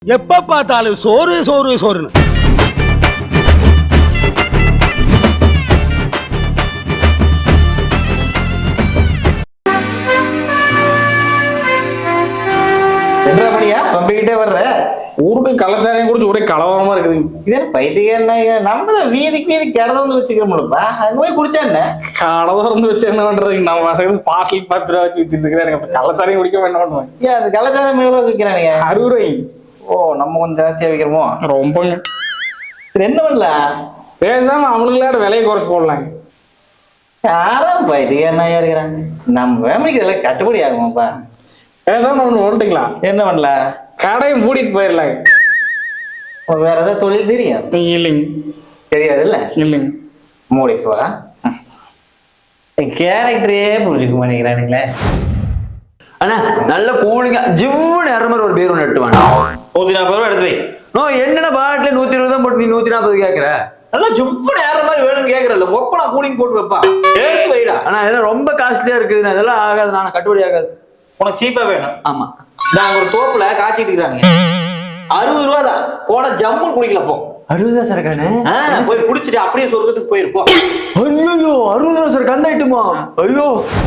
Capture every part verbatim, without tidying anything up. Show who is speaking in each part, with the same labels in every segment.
Speaker 1: எப்ப பார்த்தாலும் சோறு சோறு சோறுன்னு.
Speaker 2: என்னப்படியா பம்பிக்கிட்டே வர்ற
Speaker 3: ஊருக்கு கலாச்சாரம் குடிச்சு ஒரே கலவரமா இருக்குது.
Speaker 2: இதே பைத்தியம் நம்ம வீதிக்கு வீதி கிடந்து வச்சுக்கிறோம்லப்பா அங்க போய் குடிச்சா என்ன
Speaker 3: கலவரம் வச்சு என்ன பண்றது? நம்ம வசதி பாட்டில் பத்து ரூபா வச்சு வித்துட்டு இருக்கிறேன். கலாச்சாரம் குடிக்க என்ன பண்ணுவேன்?
Speaker 2: ஏன் அது கலாச்சாரம் எவ்வளவு விற்கிறானுங்க?
Speaker 3: அறுபது ரூபாய்.
Speaker 2: ஓ நம்ம கொஞ்சம் ஜாஸ்தியா விற்கிறோமோ?
Speaker 3: ரொம்பங்க.
Speaker 2: சரி என்ன பண்ணல
Speaker 3: பேசாம அவனுக்கு விலையை குறைச்சு போடலாங்க.
Speaker 2: யாரும் பைத்தியம் என்ன இருக்கிறாங்க நம்ம ஃபேமிலிக்கு இதெல்லாம் கட்டுப்படி ஆகுமாப்பா.
Speaker 3: பேசாம ஒண்ணு ஓட்டுங்களா?
Speaker 2: என்ன பண்ணல
Speaker 3: கடையை மூடிட்டு போயிடலாங்க.
Speaker 2: வேற ஏதாவது தொழில் தெரியும்?
Speaker 3: இல்லைங்க.
Speaker 2: தெரியாது இல்ல?
Speaker 3: இல்லைங்க.
Speaker 2: மூடிப்பா கேரக்டரே புரிஞ்சுக்க மாட்டேங்கிறானுங்களே.
Speaker 4: அண்ணா நல்ல கூலிங்க ஜிவ்னு இற மாதிரி ஒரு பேர் ஒன்று எட்டுவாங்க.
Speaker 2: நூத்தி நாற்பது ரூபா எடுத்து வை.
Speaker 4: நோ என்னென்ன பாட்டில நூத்தி இருபது தான் போட்டு நீ நூத்தி நாற்பது கேட்கற?
Speaker 2: நல்லா ஜிவ்னு ஏற மாதிரி வேணும்னு கேட்கறல ஒப்பனா கூலிங் போட்டு வைப்பா. எடுத்து வைடா.
Speaker 4: ஆனா இதெல்லாம் ரொம்ப காஸ்ட்லியா இருக்குது. அதெல்லாம் ஆகாது. நான் கட்டுப்படி ஆகாது.
Speaker 2: உனக்கு சீப்பா வேணும்?
Speaker 4: ஆமா.
Speaker 2: நாங்க ஒரு தோப்புல காய்ச்சிட்டு இருக்கிறாங்க. அறுபது ரூபா தான். போன ஜம்முன்னு குடிக்கல போ.
Speaker 4: அறுபது ரூபா சரக்கானே
Speaker 2: போய் குடிச்சிட்டு அப்படியே சொர்க்கத்துக்கு போயிருப்போம்.
Speaker 4: ஐயோ அறுபது ரூபா சார் கந்த ஐட்டுமா? ஐயோ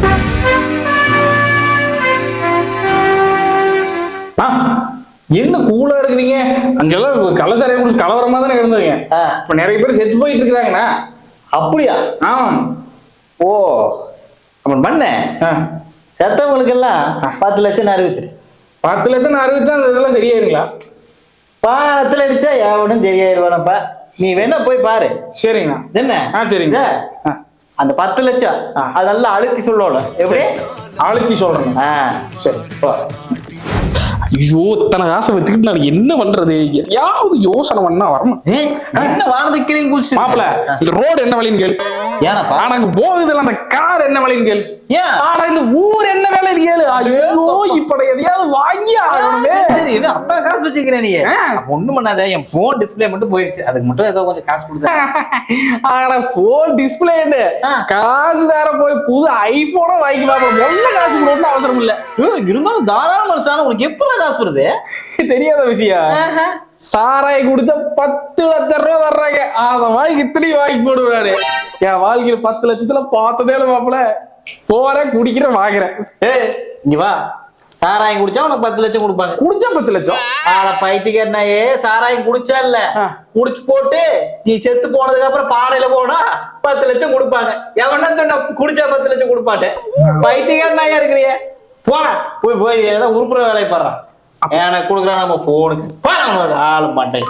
Speaker 3: என்ன கூலா இருக்கிறீங்க? அங்கெல்லாம் கலாச்சாரம் குடிச்சு கலவரமா தானே இருந்ததுங்க. இப்ப நிறைய பேர் செத்து போயிட்டு இருக்கிறாங்கண்ணா.
Speaker 2: அப்படியா?
Speaker 3: ஆமா.
Speaker 2: ஓ அப்ப பண்ண செத்தவங்களுக்கு எல்லாம் பத்து லட்சம் அறிவிச்சிரு.
Speaker 3: பத்து லட்சம் அறிவிச்சா அந்த இதெல்லாம் சரியாயிருங்களா?
Speaker 2: பாலத்துல அடிச்சா எவனும் சரியாயிருவானப்பா. நீ வேணா போய் பாரு.
Speaker 3: சரிங்கண்ணா.
Speaker 2: என்ன?
Speaker 3: ஆ சரிங்க.
Speaker 2: அந்த பத்து லட்சம் அதெல்லாம் அழுத்தி சொல்லணும். எப்படி
Speaker 3: அழுத்தி சொல்றேன்?
Speaker 2: சரி.
Speaker 3: ஐயோ இத்தனை காசை வச்சுக்கிட்டு நான் என்ன பண்றது? எதையாவது யோசனை பண்ணா வரணும்.
Speaker 2: என்ன வானது கிளியும் குடிச்சு
Speaker 3: மாப்பிள இந்த ரோடு என்ன வழின்னு கேளு.
Speaker 2: ஏனப்பா
Speaker 3: அங்க போகுதுல அந்த கார் என்ன வழின்னு கேளு. ஆனா இந்த ஊர் என்ன வேலைன்னு கேளு. ஐயோ இப்ப எதையாவது வாங்கி ஆகணுமே.
Speaker 2: சரி என்ன அத்தனை காசு வச்சுக்கிறேன் நீ? ஒண்ணும் பண்ணாத. என் போன் டிஸ்பிளே மட்டும் போயிடுச்சு. அதுக்கு மட்டும் ஏதோ கொஞ்சம் காசு கொடுத்தேன்.
Speaker 3: ஆனா போன் டிஸ்பிளே காசு தர போய் புது ஐபோனும் வாங்கி பாப்போம். ஒன்ன காசு கொடுக்கணும் அவசரம் இல்ல.
Speaker 2: இருந்தாலும் தாராள மனுஷான உனக்கு எப்படி காசு வருது?
Speaker 3: தெரியாத விஷயம். சாராய குடிச்சா பத்து லட்சம் ரூபாய் தர்றாங்க. அத வாங்கி இத்தனையும் வாங்கி போடுவாரு. என் வாழ்க்கையில பத்து லட்சத்துல பார்த்ததே இல்ல மாப்பிள. போறேன் குடிக்கிறேன் வாங்குறேன்.
Speaker 2: இங்க வா. சாராயம் குடிச்சா உனக்கு பத்து லட்சம் கொடுப்பாங்க.
Speaker 3: குடிச்சா பத்து லட்சம்?
Speaker 2: ஆனா பைத்தியக்காரனாயே சாராயம் குடிச்சா இல்ல குடிச்சு போட்டு நீ செத்து போனதுக்கு அப்புறம் பாடையில போனா பத்து லட்சம் கொடுப்பாங்க. எவனா சொன்னா குடிச்சா பத்து லட்சம் கொடுப்பாட்டேன்? பைத்தியக்காரனாயா இருக்கிறிய? போன போய் போய் ஏதாவது உருப்புற வேலையை பாடுறான். எனக்கு கொடுக்குறான் நம்ம போனுக்கு ஆள மாட்டேன்.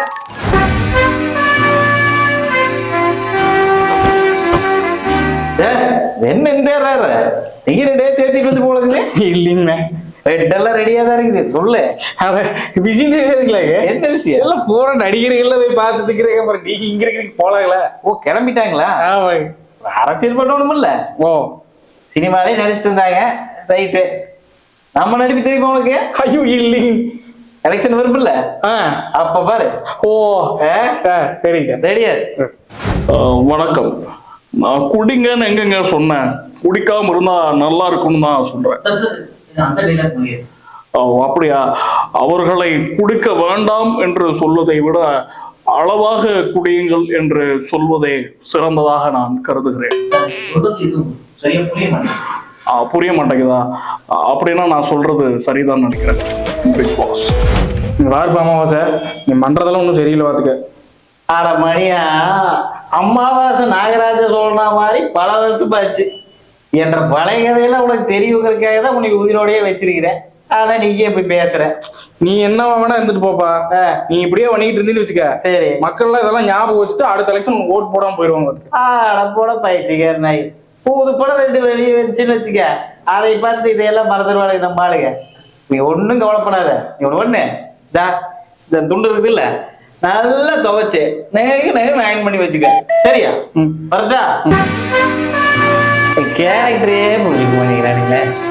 Speaker 2: என்ன இந்த நீரடே தேத்திட்டு வந்து போலக்குது?
Speaker 3: இல்லைங்க
Speaker 2: ரெட்டெல்லாம் ரெடியா தான் இருக்குது. சொல்லு
Speaker 3: விஷயம் தெரியாதுங்களா?
Speaker 2: என்ன விஷயம்?
Speaker 3: எல்லாம் போற நடிகர்கள்ல போய் பார்த்துட்டு இருக்கிறேன். அப்புறம் நீங்க இங்க இருக்கிறீங்க போலாங்களா?
Speaker 2: ஓ கிளம்பிட்டாங்களா? அரசியல் பண்ணணும் இல்ல. ஓ சினிமாலே நடிச்சிட்டு இருந்தாங்க. ரைட்டு. நம்ம நடிப்பு தெரியுமா உனக்கு?
Speaker 3: ஐயோ இல்லைங்க.
Speaker 2: எலெக்ஷன் வரும்ல அப்ப பாரு. ஓ
Speaker 3: சரிங்க
Speaker 2: ரெடியா.
Speaker 5: வணக்கம். நான் குடிங்கன்னு எங்கங்க சொன்னேன்? குடிக்காம இருந்தா நல்லா இருக்கும்னு தான் சொல்றேன். அப்படியா? அவர்களை குடிக்க வேண்டாம் என்று சொல்வதை விட அளவாக குடியுங்கள் என்று சொல்வதே சிறந்ததாக நான் கருதுகிறேன். புரிய மாட்டேங்குதா? அப்படின்னா நான் சொல்றது சரிதான் நினைக்கிறேன். பிக் பாஸ்
Speaker 3: யாருப்பா அமாவாசை? நீ பண்றதெல்லாம் ஒன்றும் சரியில்லை பார்த்துக்க.
Speaker 2: ஆட மணியா அமாவாசை நாகராஜ சொல்ற மாதிரி பல வருஷம் ஆச்சு. என்ற பழைய கதையெல்லாம் உனக்கு தெரியுங்கிறதுக்காக தான் உனக்கு உயிரோடய வச்சிருக்கிறேன். ஆனா நீங்க இப்படி பேசுற.
Speaker 3: நீ என்ன வேணா இருந்துட்டு போப்பா. நீ இப்படியே பண்ணிட்டு இருந்தீன்னு வச்சுக்க. சரி மக்கள் எல்லாம் இதெல்லாம் ஞாபகம் வச்சுட்டு அடுத்த எலெக்ஷன் ஓட்டு போடாம போயிடுவாங்க.
Speaker 2: ஆட போட பைத்தியக்கார நாய். புது படம் ரெண்டு வெளியே வச்சுன்னு வச்சுக்க. அதை பார்த்து இதையெல்லாம் மறந்துடுவாங்க நம்ம ஆளுங்க. நீ ஒன்னும் கவலைப்படாத. நீ ஒண்ணு இந்த துண்டு இருக்குது இல்ல நல்லா துவைச்சு நேரம் நேரம் அயன் பண்ணி வச்சுக்க. சரியா? வரட்டா? கேரக்டரே புரிஞ்சுக்க மாட்டேங்கிறானுங்களே.